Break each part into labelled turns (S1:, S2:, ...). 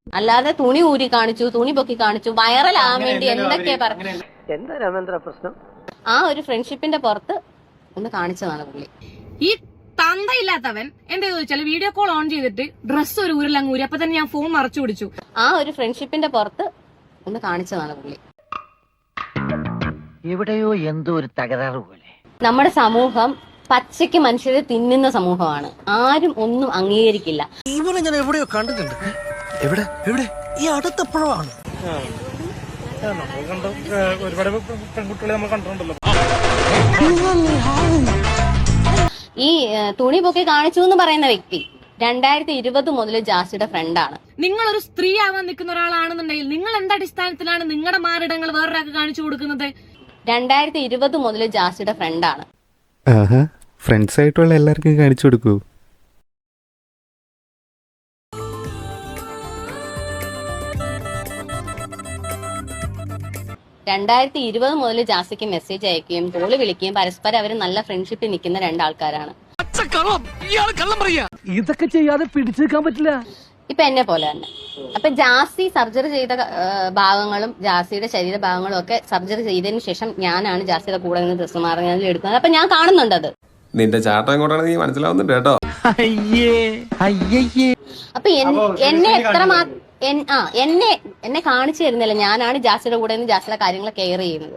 S1: അല്ലാതെ തുണി ഊരി കാണിച്ചു, തുണി പൊക്കി കാണിച്ചു, വൈറലാകാൻ വേണ്ടി എന്തൊക്കെയാ പറഞ്ഞു.
S2: എന്താ രാമേന്ദ്ര പ്രശ്നം?
S1: ആ ഒരു ഫ്രണ്ട്ഷിപ്പിന്റെ പുറത്ത് ഒന്ന് കാണിച്ചതാണ് പുള്ളി.
S3: ഈ തന്തയില്ലാത്തവൻ എന്താ ചോദിച്ചാൽ വീഡിയോ കോൾ ഓൺ ചെയ്തിട്ട് ഡ്രസ്സ് ഒരു ഊരിലങ്ങ് ഊരി. അപ്പൊ തന്നെ ഞാൻ ഫോൺ മറച്ചു പിടിച്ചു.
S1: ആ ഒരു ഫ്രണ്ട്ഷിപ്പിന്റെ പുറത്ത് ഒന്ന് കാണിച്ചതാണ് പുള്ളി.
S2: എവിടെയോ എന്തോ ഒരു തകരാറ് പോലെ.
S1: നമ്മുടെ സമൂഹം പച്ചയ്ക്ക് മനുഷ്യരെ തിന്നുന്ന സമൂഹമാണ്. ആരും ഒന്നും അംഗീകരിക്കില്ല.
S4: ഇവനെ ഞാൻ എവിടെയോ കണ്ടിട്ടുണ്ട്. എവിടെ എവിടെ? ഈ അടുത്തപ്പോഴാണ്.
S5: ഒരുപാട് പെൺകുട്ടികളെ നമ്മൾ കണ്ടിട്ടുണ്ടല്ലോ.
S1: ഈ തുണി പൊക്കി കാണിച്ചു എന്ന് പറയുന്ന വ്യക്തി 2020 മുതൽ ജാസിയുടെ ഫ്രണ്ടാണ്.
S3: നിങ്ങളൊരു സ്ത്രീ ആവാൻ നിൽക്കുന്ന ഒരാളാണെന്നുണ്ടെങ്കിൽ നിങ്ങൾ എന്ത് അടിസ്ഥാനത്തിലാണ് നിങ്ങളുടെ മാറിടങ്ങൾ വേറൊരാൾക്ക് കാണിച്ചു കൊടുക്കുന്നത്?
S1: 2020 മുതൽ ജാസിയുടെ ഫ്രണ്ടാണ്.
S6: ഫ്രണ്ട്സ് ആയിട്ടുള്ള എല്ലാവർക്കും കാണിച്ചു കൊടുക്കൂ.
S1: രണ്ടായിരത്തി 20 മുതൽ ജാസിക്ക് മെസ്സേജ് അയക്കുകയും കോള് വിളിക്കുകയും പരസ്പരം അവർ നല്ല ഫ്രണ്ട്ഷിപ്പിൽ നിൽക്കുന്ന രണ്ടാൾക്കാരാണ്.
S2: ഇതൊക്കെ ചെയ്യാതെ പിടിച്ചു നിൽക്കാൻ പറ്റില്ല.
S1: ഇപ്പൊ എന്നെ പോലെ തന്നെ. അപ്പൊ ജാസി സർജറി ചെയ്ത ഭാഗങ്ങളും ജാസിയുടെ ശരീരഭാഗങ്ങളും ഒക്കെ സർജറി ചെയ്തതിനു ശേഷം ഞാനാണ് ജാസിയുടെ കൂടെ നിന്ന് ഡ്രസ്സ് മാറുന്നതിൽ എടുക്കുന്നത്. അപ്പൊ ഞാൻ കാണുന്നുണ്ട് അത്.
S7: നിന്റെ ചാട്ടം എങ്ങോട്ടാണ് നീ മനസ്സിലാവുന്നുണ്ട് കേട്ടോ.
S1: അപ്പൊ എന്നെ എന്നെ കാണിച്ചു തരുന്നില്ല. ഞാനാണ് ജാസിയുടെ കൂടെ നിന്ന് ജാസിയുടെ കാര്യങ്ങൾ കെയർ ചെയ്യുന്നത്.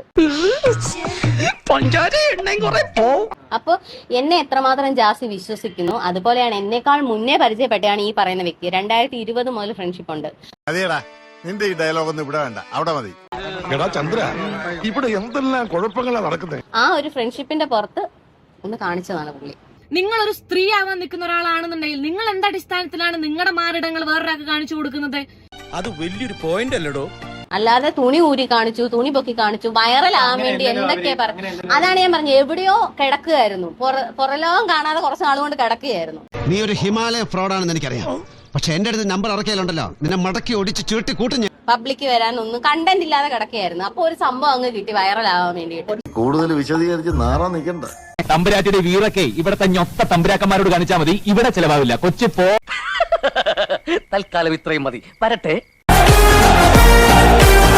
S1: അപ്പൊ എന്നെ എത്രമാത്രം ജാസി വിശ്വസിക്കുന്നു, അതുപോലെയാണ് എന്നെക്കാൾ മുന്നേ പരിചയപ്പെട്ടാണ് ഈ പറയുന്ന വ്യക്തി. 2020 മുതൽ ഫ്രണ്ട്ഷിപ്പ് ഉണ്ട്.
S8: നിന്റെ ഈ ഡയലോഗ് ഒന്നും ഇവിടെ വേണ്ട, അവിടെ മതി. ചന്ദ്ര, ഇവിടെ എന്തെല്ലാം കുഴപ്പങ്ങളാണ് നടക്കുന്നത്.
S1: ആ ഒരു ഫ്രണ്ട്ഷിപ്പിന്റെ പുറത്ത് ഒന്ന് കാണിച്ചതാണ് പുള്ളി.
S3: നിങ്ങളൊരു സ്ത്രീ ആവാൻ നിൽക്കുന്ന ഒരാളാണെന്നുണ്ടെങ്കിൽ നിങ്ങൾ എന്ത് അടിസ്ഥാനത്തിലാണ് നിങ്ങളുടെ മാറിടങ്ങൾ വേറൊരാൾക്ക് കാണിച്ചു കൊടുക്കുന്നത്?
S4: അത് വലിയൊരു പോയിന്റ് അല്ലടോ.
S1: അല്ലാതെ തുണി ഊരി കാണിച്ചു, തുണി പൊക്കി കാണിച്ചു, വൈറലാകാൻ വേണ്ടി എന്തൊക്കെയാ പറഞ്ഞു. അതാണ് ഞാൻ പറഞ്ഞത്. എവിടെയോ കിടക്കുകയായിരുന്നു, പുറലോകം കാണാതെ കുറച്ച് നാളുകൊണ്ട് കിടക്കുകയായിരുന്നു.
S9: നീ ഒരു ഹിമാലയ ഫ്രോഡാണെന്ന് എനിക്കറിയാം. പക്ഷെ എന്റെ അടുത്ത് നമ്പർ ഇറക്കിയാലുണ്ടല്ലോ, നിന്നെ മടക്കി ഒടിച്ച് ചീട്ടി കൂട്ടും.
S1: പബ്ലിക് വരാനൊന്നും കണ്ടന്റ് ഇല്ലാതെ കിടക്കുകയായിരുന്നു. അപ്പൊ ഒരു സംഭവം അങ്ങ് കിട്ടി വൈറലാകാൻ വേണ്ടിയിട്ട്.
S8: കൂടുതൽ വിശദീകരിച്ച് നാറാൻ നിൽക്കണ്ട.
S10: തമ്പുരാറ്റിയുടെ വീറൊക്കെ ഇവിടത്തെ ഞൊത്ത തമ്പുരാക്കന്മാരോട് കാണിച്ചാൽ മതി. ഇവിടെ ചെലവാവില്ല. കൊച്ചി പോ.
S2: തൽക്കാലം ഇത്രയും മതി. വരട്ടെ.